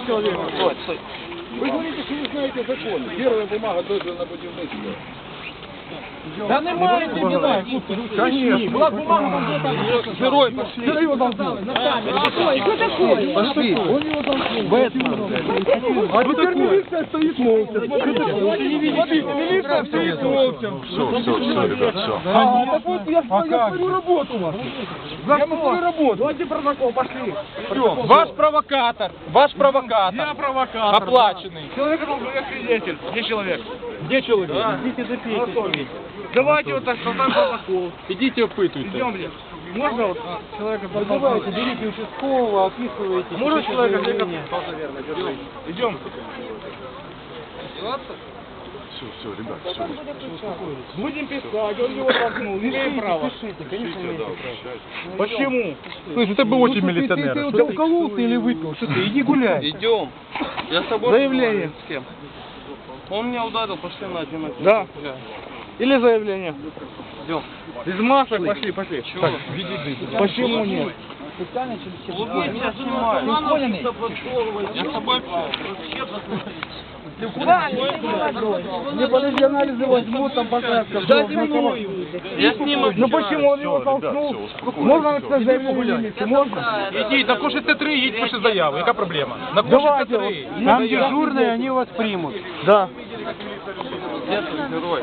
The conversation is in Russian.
человека. Стой. Вы говорите, что вы знаете закон. Первая бумага дозвіл на будівництво. Да немає дебила. Конечно. Была бумага, там где-то. Герой, пошли. Кто его толкнул? На камеру. Кто такой? Пошли. Он его толкнул. Бэтмен. А теперь милиция стоит молча. Смотрите, милиция стоит молча. Все, ребят, все. Так вот я свою работу у вас. Я свою работу. Давайте протокол, пошли. Ваш провокатор. Я провокатор. Оплаченный. Человек должен быть свидетель. Где человек? Где человек? Идите запейте. Давайте вот так, составим протокол. Идите опытуйте. Идемте. Можно вот человека Давайте, берите участкового, описывайте. Можно человека Идем. Все, ребят, все. Будем писать, он его толкнул. Не имеем права. Пишите, конечно, имеете право. Почему? Слушай, это бы очень Ты милиционер. укололся или выпил? Что ты, иди гуляй. Идем. Я с тобой. Заявление. С кем? Он меня ударил, пошли на один. Да. Или заявление. Идем. Из масок пошли. Чего? Почему нет? Улыбнись, я снимаю. Я с тобой Не подожди, анализы возьмут, там показка. Я сниму. Ну почему он его толкнул? Можно написать заявление милиции? Можно? Иди, на коши Т3, едь, пиши заяву. Яка проблема? На коши Давайте. Т3. Там дежурные, они вас примут. Да. Где твой герой?